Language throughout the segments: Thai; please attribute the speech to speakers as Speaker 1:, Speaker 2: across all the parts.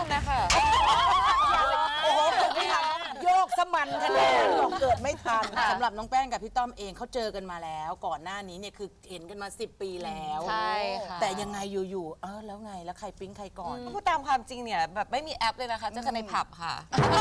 Speaker 1: นะคะ
Speaker 2: โอ้โหเกิดไม่ทันโยกสมันขนาดนั้นบอกเกิดไม่ทันสำหรับน้องแป้งกับพี่ต้อมเองเขาเจอกันมาแล้ว ก่อนหน้านี้เนี่ยคือเห็นกันมา10 ปีแล้ว
Speaker 1: ใช่ค่ะ
Speaker 2: แต่ยังไงอยู่ๆแล้วไงแล้วใครปิ๊งใครก่อน
Speaker 1: พูดตามความจริงเนี่ยแบบไม่มีแอปเลยนะคะเจอกันในผับค่ะ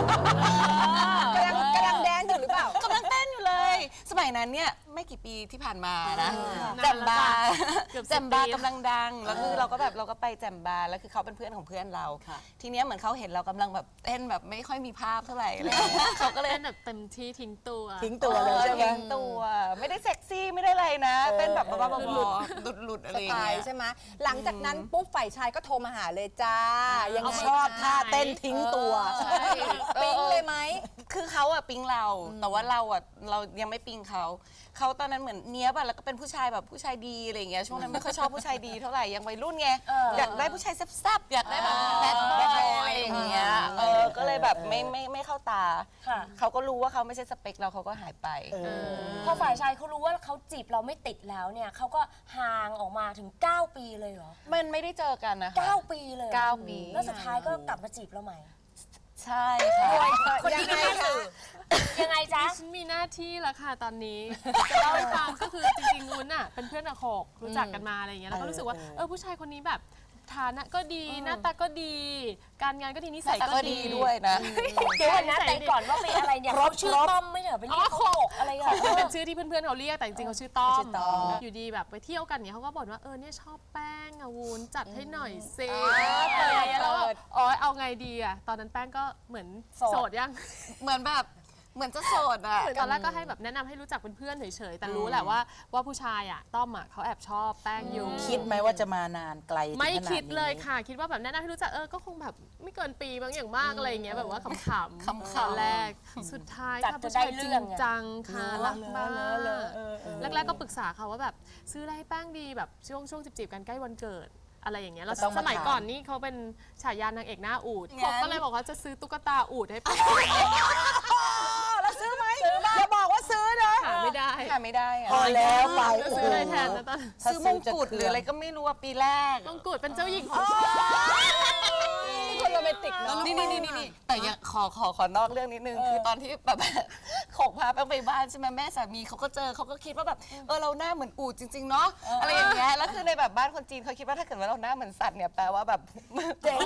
Speaker 3: กำลังแดนอยู่หรือเปล่าก
Speaker 1: ำลังเต้นอยู่เลย สมัยนั้นเนี่ยไม่กี่ปีที่ผ่านมานะแจมบาร์แจมบาร์กำลังดังแล้วคือเราก็ไปแจมบาร์แล้วคือเขาเป็นเพื่อนของเพื่อนเรา ทีเนี้ยเหมือนเขาเห็นเรากำลังแบบเต้นแบบไม่ค่อยมีภาพเท่าไหร่อะไรอย่างเงี้ยเขาก็เลย
Speaker 4: เล่นแบบเต็มที่ทิ้งตัว
Speaker 2: ทิ้งตัวเลยใช่ไหม
Speaker 1: ทิ้งตัวไม่ได้เซ็กซี่ไม่ได้อะไรนะเต้นแบบบ้าๆบอๆหลุดๆอะไร
Speaker 3: ส
Speaker 1: อย่าง
Speaker 3: ไต
Speaker 1: เงี้
Speaker 3: ล์
Speaker 1: ย
Speaker 3: ใช่ไหมหลังจากนั้นปุ๊บฝ่ายชายก็โทรมาหาเลยจ้ายังไง
Speaker 2: ชอบท่าเต้นทิ้งตัว
Speaker 1: ใช่
Speaker 3: ปิ๊งเลยไหม
Speaker 1: คือเขาอะปิ๊งเรา แต่ว่าเราอะเรายังไม่ปิ๊งเขาตอนนั้นเหมือนเนี้ยบอะแล้วก็เป็นผู้ชายแบบผู้ชายดีอะไรอย่างเงี้ยช่วงนั้นไม่ค่อยชอบผู้ชายดีเท่าไหร่ยังวัยรุ่นไงอยากได้ผู้ชายแซ่บๆอยากได้แบบแบดบอยอะไรอย่างเงี้ยก็เลยแบบไม่เข้าตา
Speaker 5: ค่ะ
Speaker 1: เขาก็รู้ว่าเขาไม่ใช่สเปคเราเขาก็หายไป
Speaker 5: พอฝ่ายชายเขารู้ว่าเขาจีบเราไม่ติดแล้วเนี่ยเขาก็ห่างออกมาถึง 9 ปีเลยเหรอ
Speaker 1: มันไม่ได้เจอกันนะคะ
Speaker 5: 9 ปีเลยเหรอ
Speaker 1: 9 ปี
Speaker 5: แล้วสุดท้ายก็กลับมาจีบเราใหม่
Speaker 1: ใช่ค่ะ
Speaker 5: คนนี้ก็ไม่สื่อยังไงจ๊ะ
Speaker 4: ฉันมีหน้าที่แล้วค่ะตอนนี้ จะเล่าให้ฟังก็คือจริงๆวุ้นอ่ะเป็นเพื่อนกับโขกรู้จักกันมาอะไรอย่างเงี้ยแล้วก็รู้สึกว่าผู้ชายคนนี้แบบฐานะก็ดีหน้าตาก็ดี การงานก็ดีนิสัย
Speaker 1: แต่
Speaker 4: ก็
Speaker 1: ก็
Speaker 4: ดี
Speaker 1: ดีด้วยนะ
Speaker 5: เดี๋ยวก่อนนะแต่ก่อนว่าเป็นอะไรเนี่ยเขาชื่อต้อมไม่ใช่เหรอไปเรียกเขาโขกอะไรอ่ะ
Speaker 4: เป็นชื่อที่เพื่อนๆเขาเรียกแต่จริงๆเขาชื่อต้อม
Speaker 2: ชื่อต้อม
Speaker 4: อยู่ดีแบบไปเที่ยวกันเนี่ยเขาก็บ่นว่าเนี่ยชอบแป้งอะวุ้นจัดให้หน่อยซิ
Speaker 1: เปิด
Speaker 4: แล้วแบบเอาไงดีอะตอนนั้นแป้งก็เหมือนโสดยัง
Speaker 1: เหมือนแบบเหมือนจะโสดอะ
Speaker 4: ตอนแรกก็ให้แบบแนะนำให้รู้จักเป็นเพื่อนเฉยๆ แต่รู้แหละว่าผู้ชายอ่ะต้อมอ่ะเขาแอบชอบแป้งอยู่
Speaker 2: คิดไหมว่าจะมานานไกลถึงขนาดนี้
Speaker 4: ไม่คิดเลยค่ะ คิดว่าแบบแนะนำให้รู้จักก็คงแบบไม่เกินปีบางอย่างมากอะไรอย่างเงี้ยแบบว่าขำๆตอนแรกสุดท้าย
Speaker 5: จัด
Speaker 4: ค่ะ
Speaker 5: จะ
Speaker 4: ผู้
Speaker 5: ได้
Speaker 4: ชาย
Speaker 5: เรื่
Speaker 4: จริ
Speaker 5: อง
Speaker 4: ง
Speaker 5: ไง
Speaker 4: จังค่ะรักมากแรกๆก็ปรึกษาเขาว่าแบบซื้ออะไรให้แป้งดีแบบช่วงจีบๆกันใกล้วันเกิดอะไรอย่างเงี้ยแล้ว
Speaker 2: ก็ต้องมา
Speaker 4: สมัย
Speaker 2: ถาม
Speaker 4: ก่อนนี่เขาเป็นฉายานางเอกหน้าอูฐผมก็เลยบอกว่าจะซื้อตุ๊กตาอูฐให้แป้ง
Speaker 2: แล้วซื้อไหมอย่าบอกว่าซื้อนะ
Speaker 4: หาไม่ได้
Speaker 1: หาไม่ได้อะ
Speaker 2: พอแล้วไป
Speaker 4: จะซื้ออะไรแทนนะตอน
Speaker 1: ซื้อมงกุฎหรืออะไรก็ไม่รู้อะปีแรก
Speaker 4: มงกุฎเป็นเจ้าหญิงของ
Speaker 3: คนโรแมนติกเนาะ
Speaker 1: นี่แต่ยังขอนอกเรื่องนิดนึงคือตอนที่แบบขกพาแป้งไปบ้านใช่ไหมแม่สามีเขาก็เจอเขาก็คิดว่าแบบเราหน้าเหมือนอูฐจริงๆเนาะอะไรอย่างเงี้ยแล้วคือในแบบบ้านคนจีนเขาคิดว่าถ้าเกิดว่าเราหน้าเหมือนสัตว์เนี่ยแปลว่าแบบเจ๋ง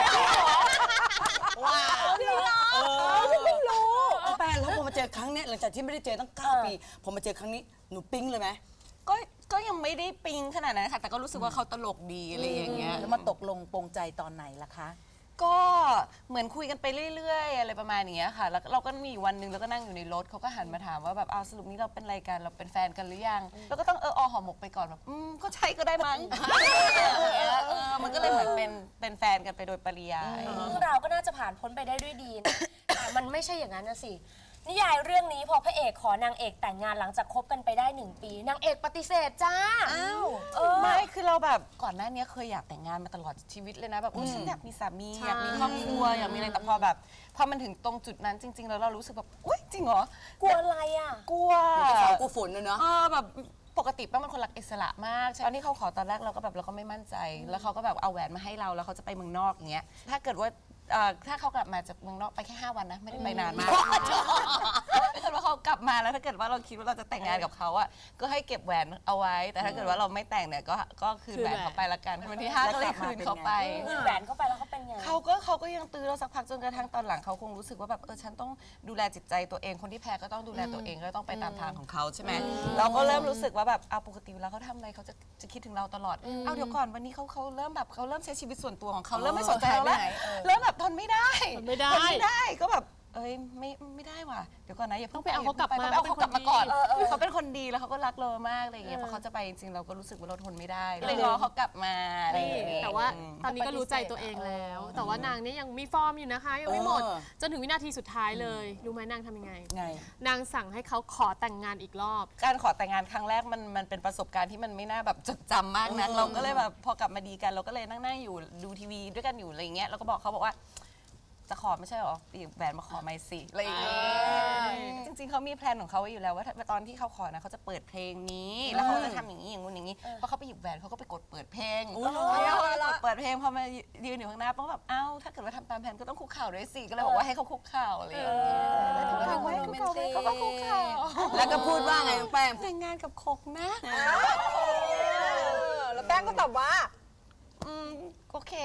Speaker 2: ว้าวไม่รู้แป้งแล้วพอมาเจอครั้งเนี้ยหลังจากที่ไม่ได้เจอตั้ง9 ปีพอมาเจอครั้งนี้หนูปิ๊งเลยไหม
Speaker 1: ก็ยังไม่ได้ปิ๊งขนาดนั้นค่ะแต่ก็รู้สึกว่าเขาตลกดีอะไรอย่างเงี้ย
Speaker 2: แล้วมาตกลงปรงใจตอนไหนล่ะคะ
Speaker 1: ก็เหมือนคุยกันไปเรื่อยๆอะไรประมาณอย่างเงี้ยค่ะแล้วเราก็มีวันหนึ่งแล้วก็นั่งอยู่ในรถเขาก็หันมาถามว่าแบบสรุปนี้เราเป็นอะไรกันเราเป็นแฟนกันหรือยังแล้วก็ต้องห่อหมกไปก่อนแบบก็ใช่ก็ได้มั้งมันก็เลยเหมือนเป็นแฟนกันไปโดยปริยาย
Speaker 5: เรื่องราวก็น่าจะผ่านพ้นไปได้ด้วยดีนะแต่มันไม่ใช่อย่างนั้นนะสินิยายเรื่องนี้พอพระเอกขอนางเอกแต่งงานหลังจากคบกันไปได้1 ปีนางเอกปฏิเสธจ้า
Speaker 1: ไม่คือเราแบบก่อนหน้านี้เคยอยากแต่งงานมาตลอดชีวิตเลยนะแบบฉันอยากมีสามีอยากมีครอบครัวอยากมีอะไรแต่พอแบบพอมันถึงตรงจุดนั้นจริง ๆ แล้วเรารู้สึกแบบอุ๊ยจริงเหรอก
Speaker 5: ลัวอะไรอ่ะ
Speaker 1: กลัว
Speaker 2: สาวกูฝนเลยเนาะ
Speaker 1: แบบปกติป้าเป็นคนรักอิสระมากตอนที่เขาขอตอนแรกเราก็ไม่มั่นใจ แล้วเขาก็แบบเอาแหวนมาให้เราแล้วเขาจะไปเมืองนอกอย่างเงี้ยถ้าเกิดว่าถ้าเขากลับมาจากเมืองนอกไปแค่5 วันนะไม่ได้ไปนานมากถ้าเกิดว่าเขากลับมาแล้วถ้าเกิดว่าเราคิดว่าเราจะแต่งงานกับเขาอ่ะก็ให้เก็บแหวนเอาไว้ แต่ถ้าเกิดว่าเราไม่แต่งเนี่ยก็คืนแหวนเขาไปละกันวันที่5ก็เลยคืนเขาไป
Speaker 5: แหวนเข้าไปแล้วเขาเป็นไง
Speaker 1: เขาก็ยังตื้อเราสักพักจนกระทั่งตอนหลังเขาคงรู้สึกว่าแบบฉันต้องดูแลจิตใจตัวเองคนที่แพ้ก็ต้องดูแลตัวเองก็ต้องไปตามทางของเขาใช่ไหมเราก็เริ่มรู้สึกว่าแบบปกติเวลาเขาทำอะไรเขาจะคิดถึงเราตลอดเดี๋ยวก่อนวันนี้เขาเริ่มแบบเขาเริ่มใช้ชีวิตส่วนตัวของเขาเริ่มไม่สนใจเราแล้วเริ่มแบบทนไม่ได้ก็แบบไม่ได้ว่ะเดี๋ยวก่อนนะอย่าเพิ่ง
Speaker 4: ต้องไปเอาเขากลับมา
Speaker 1: ต้องไปเอาเขากลับมาก่อน
Speaker 4: เขาเป็นคนดี
Speaker 1: เขาเป็นคนดีแล้วเขาก็รักเรามากอะไรอย่างเงี้ยพอเขาจะไปจริงๆเราก็รู้สึกว่าเราทนไม่ได้เลยรอเขากลับมาอะไรอย่างเงี้ย
Speaker 4: แต่ว่าตอนนี้ก็รู้ใจตัวเองแล้ว แต่ว่านางเนี่ยยังมีฟอร์มอยู่นะคะยังไม่หมด จนถึงวินาทีสุดท้ายเลย รู้ไหมนางทำยังไง
Speaker 2: ไง
Speaker 4: นางสั่งให้เขาขอแต่งงานอีกรอบ
Speaker 1: การขอแต่งงานครั้งแรกมันเป็นประสบการณ์ที่มันไม่น่าแบบจดจำมากนะเราก็เลยแบบพอกลับมาดีกันเราก็เลยนั่งอยู่ดูทีวีด้วยกันอยู่อะไรเงี้ยเราก็บอกเขาว่า เจะขอไม่ใช่หรอหยิบแหวนมาขอไม่สิอะไรอย่างเงี้ยจริงๆเขามีแพลนของเขาไว้อยู่แล้วว่าตอนที่เขาขอนะเขาจะเปิดเพลงนี้แล้วเขาจะทำอย่างนี้อย่างงู้นอย่างนี้พอเขาไปหยิบแหวนเขาก็ไปกดเปิดเพลงแล้วกดเปิดเพลงพอมายืนอยู่ข้างหน้าป้องแบบเอ้าถ้าเกิดว่าทำตามแผนก็ต้องคุกเข่าด้วยสิก็เลยบอกว่าให้เขาคุกเข่าอะไรอย่างเงี้ยแล้วถึงเขาคุกเข่าเขาก็คุกเข่า
Speaker 2: แล้วก็พูดว่าไงน้องแป้ง
Speaker 1: แต่งงานกับคกนะ
Speaker 3: แล้วแป้งก็ตอบว่า
Speaker 1: โอเค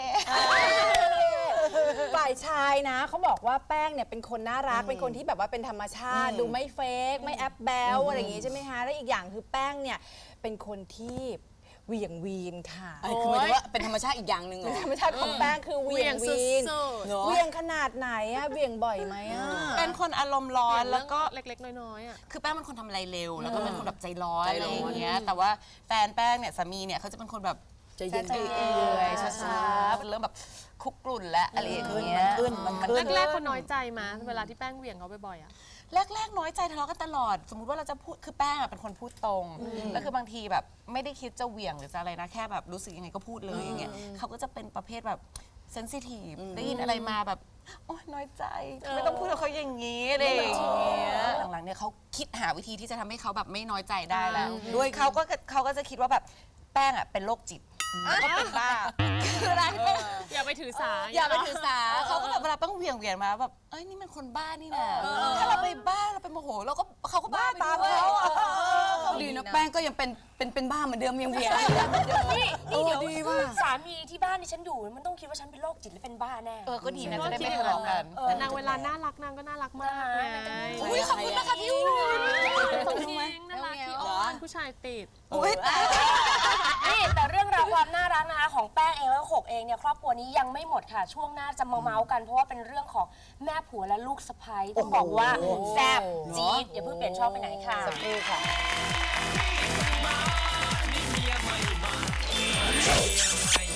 Speaker 3: ฝ่ายชายนะเขาบอกว่าแป้งเนี่ยเป็นคนน่ารักเป็นคนที่แบบว่าเป็นธรรมชาติ ดูไม่เฟกไม่แอปแบลอะไรอย่างงี้ใช่ไหมคะแล้วอีกอย่างคือแป้งเนี่ยเป็นคนที่เหวี่ยงวีนค่ะ
Speaker 2: คือหมายถึงว่าเป็นธรรมชาติอีกอย่างหนึ่งเหรอ
Speaker 3: ธรรมชาติของแป้งคือเหวี่ยงวีน
Speaker 4: สุด
Speaker 2: เหรอ
Speaker 3: เหวี่ยงขนาดไหนอะเหวี่ยงบ่อยไหมอะ
Speaker 1: เป็นคนอารมณ์ร้อ
Speaker 4: ๆ
Speaker 1: น
Speaker 4: แล้
Speaker 1: แล้ว ว
Speaker 4: ก็
Speaker 1: ก็
Speaker 4: เล็กๆ น้อยๆอ่ะ
Speaker 1: คือแป้งเป็นคนทำอะไรเร็ว แล้วก็เป็นคนแบบใจร้อน
Speaker 2: ใจ
Speaker 1: อะไร
Speaker 2: ร้อน
Speaker 1: อย่างเงี้ยแต่ว่าแฟนแป้งเนี่ยสามีเนี่ยเขาจะเป็นคนแบบ
Speaker 2: ใจเย็น
Speaker 1: เอื่อยๆช้าๆเป็นเริ่มแบบคุกกรุ่นและอะไรอย่างเงี้ย
Speaker 2: มันขึ้น
Speaker 4: แรกๆเขาน้อยใจมาเวลาที่แป้งเหวี่ยงเขาบ่อยๆอ่ะ
Speaker 1: แรกๆน้อยใจทะเลาะกันตลอด สมมุติว่าเราจะพูดคือแป้งอะเป็นคนพูดตรงแล้วคือบางทีแบบไม่ได้คิดจะเหวี่ยงหรือจะอะไรนะแค่แบบรู้สึกยังไงก็พูดเลยอย่างเงี้ยเขาก็จะเป็นประเภทแบบเซนซิทีฟได้ยินอะไรมาแบบโอ๊ยน้อยใจไม่ต้องพูดกับเขาอย่างนี้อะไรอย่างเงี้ยหลังๆเนี่ยเขาคิดหาวิธีที่จะทำให้เขาแบบไม่น้อยใจได้แล้วด้วยเขาก็จะคิดว่าแบบแป้งอ่ะเป็นโรคจิตแล้วก็เป็นบ้าคืออะไร
Speaker 4: อย่าไปถือสา
Speaker 1: อย่าไปถือสาเขาก็แบบเวลาต้องเหวี่ยงมาแบบเอ้ยนี่มันคนบ้านี่นะถ้าเราไปบ้าเราไปโมโหเราก็เขาก็บ้าตามเขา
Speaker 2: ดีนะแป้งก็ยังเป็นบ้าเหมือนเดิมยังเวียน
Speaker 5: นี่เดี๋ยว
Speaker 2: ดีว่ะ
Speaker 5: สามีที่บ้านที่ฉันอยู่มันต้องคิดว่าฉันเป็นโรคจิตหรือเป็นบ้าแน่
Speaker 1: ก็ดีนะจะได้ไม่ทะเลาะกัน
Speaker 4: แต่นางเวลาน่ารักนางก็น่ารักมากไง
Speaker 1: อุ้ยขอบคุณนะคะพี่อุ้ย
Speaker 4: จริงน่ารักที่อ้อนผู้ชายติด
Speaker 1: อุ้ยแต่
Speaker 5: นี่แต่เรื่องราวความน่ารักนะคะของแป้งเองแล้วก็โขกเองเนี่ยครอบครัวนี้ยังไม่หมดค่ะ ช่วงหน้าจะมาเมาส์กันเพราะว่าเป็นเรื่องของแม่ผัวและลูกสะใภ้ต้องบอกว่าแซ่บจี๊ดอย่าเพิ่งเปลี่ยนช่องไปไหนค่ะ
Speaker 2: สักครู่ค่ะ
Speaker 6: เมียใหม่